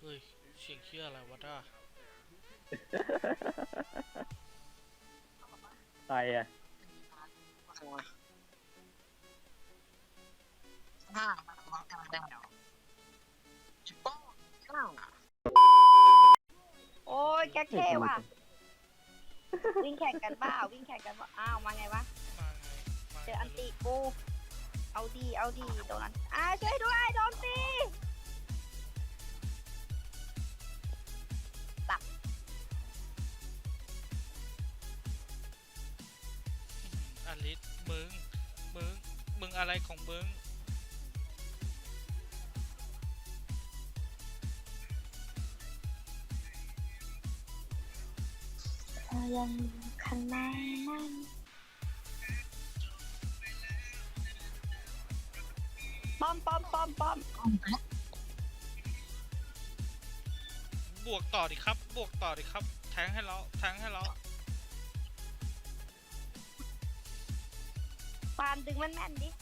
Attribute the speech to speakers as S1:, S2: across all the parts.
S1: ฮ้ยเสียงเชื่ออะไรวะด้า
S2: ใครอ่ะ
S3: โอ้ยแกเท่ว่ะวิ่งแข่งกันเปล่าวิ่งแข่งกันเปล่าอ้าวมาไงวะ
S1: มาไงมา
S3: เจออันตีกูเอาดีโดนอันช่วยด้วยโดนตีตับ
S1: อลิสมึงมึงอะไรของมึง
S3: ยังข้างในนั่นป้อม
S1: บวกต่อดิครับบวกต่อดิครับแทงให้เรา
S3: ปานดึงมันแม่นดิ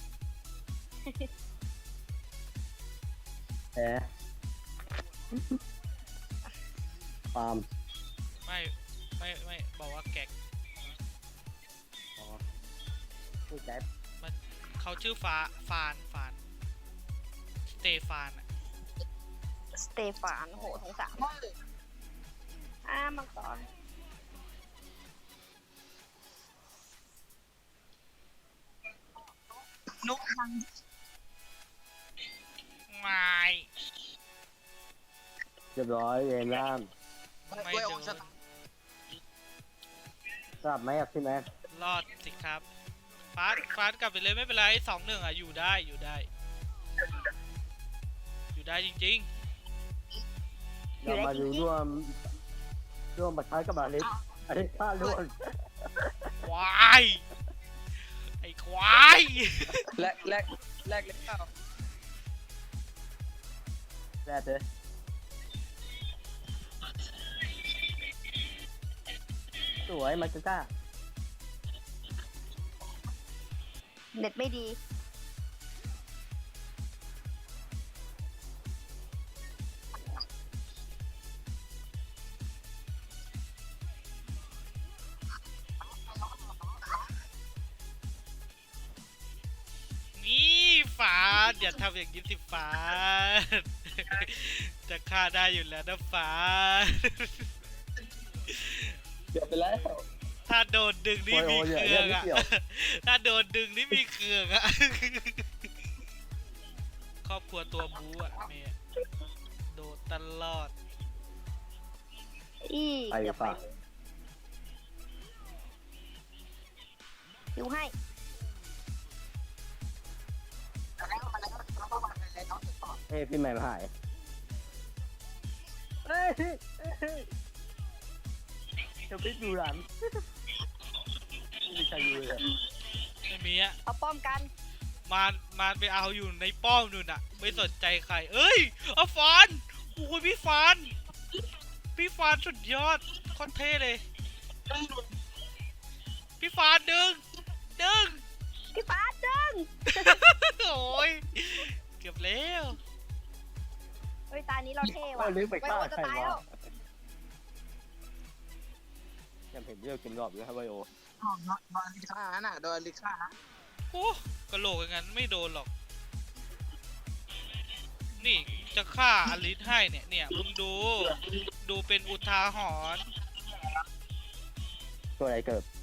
S2: แหมฟาร์ม
S1: ไม่บอกว่าแกก
S2: อ๋อผู้ใจ
S1: มันเขาชื่อฟานสเตฟานอะ
S3: สเตฟานโหสงสารมังกร
S1: นุกไม่
S2: เรียบร้อยเองล่าม
S1: ไม่โดน
S2: ทราบไหมครับพี่แม็ก
S1: รอดสิครับฟาดกลับไปเลยไม่เป็นไร2-1อะอยู่ได้จริง
S2: เรามาดูร่วมประทัดกับบาลิสอันนี้ฆ่าล้วน
S1: ๆควายไอ้ควาย
S4: แรกเก้า
S2: แร่เลยสวยมาจ้า
S3: เน็ตไม่ดี
S1: นี่ฟ้าอย่าทำอย่างนี้สิฟ้าจะฆ่าได้อยู่แล้วนะฟ้า
S4: เกือบไปแล้ว
S1: ถ้าโดนดึงนี่มีเครื่องอะถ้าโดนดึงนี่มีเครื่องอะครอบครัวตัวบู๊อะเมย์โดนตลอด
S2: ไปฝาก
S3: อยู่ให้
S2: เฮ้ยพี่แม็กหายเฮ้ยจะไปดูหลังไม่ใช่ยูเลย
S1: ไม่มีอะ
S3: เอาป้อมกัน
S1: มาไปเอาอยู่ในป้อมนู่นอะไม่สนใจใครเอ้ยเอาฟานโอ้ยพี่ฟานสุดยอดโคตรเท่เลยพี่ฟานดึง
S3: พี่ฟ้าดึง
S1: โอ้ยเกือบแล้ว
S3: เฮ้ยตานี้เราเท่ว่ะ
S2: ลืมไปฆ่า
S3: จะ
S2: ใคร
S3: ตายว
S2: ะยังเห็นเรื่องเกมรอบอยู่ครับไบโอ
S4: โดนลิซ่าน่ะโดนลิซ่า
S1: โอ้กระโหลกอย่างนั้นไม่โดนหรอกนี่จะฆ่าอลิสให้เนี่ยมึงดูเป็นอุทาหรณ์
S2: ตัวอะไรเกิด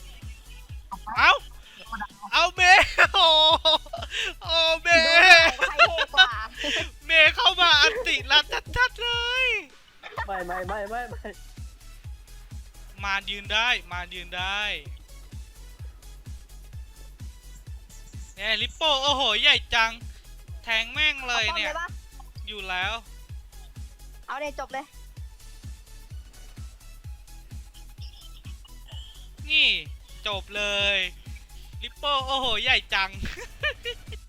S1: เอาเมย์โอ้เมย์เมย์เข้ามาอันติลัดชัดๆเลย
S2: ไม่
S1: มายืนได้เนี่ยลิปโป้โอ้โหใหญ่จังแทงแม่งเลยเนี่ยอยู่แล้ว
S3: เอาเลยจบเลย
S1: นี่จบเลยลิปโป้โอ้โหใหญ่จัง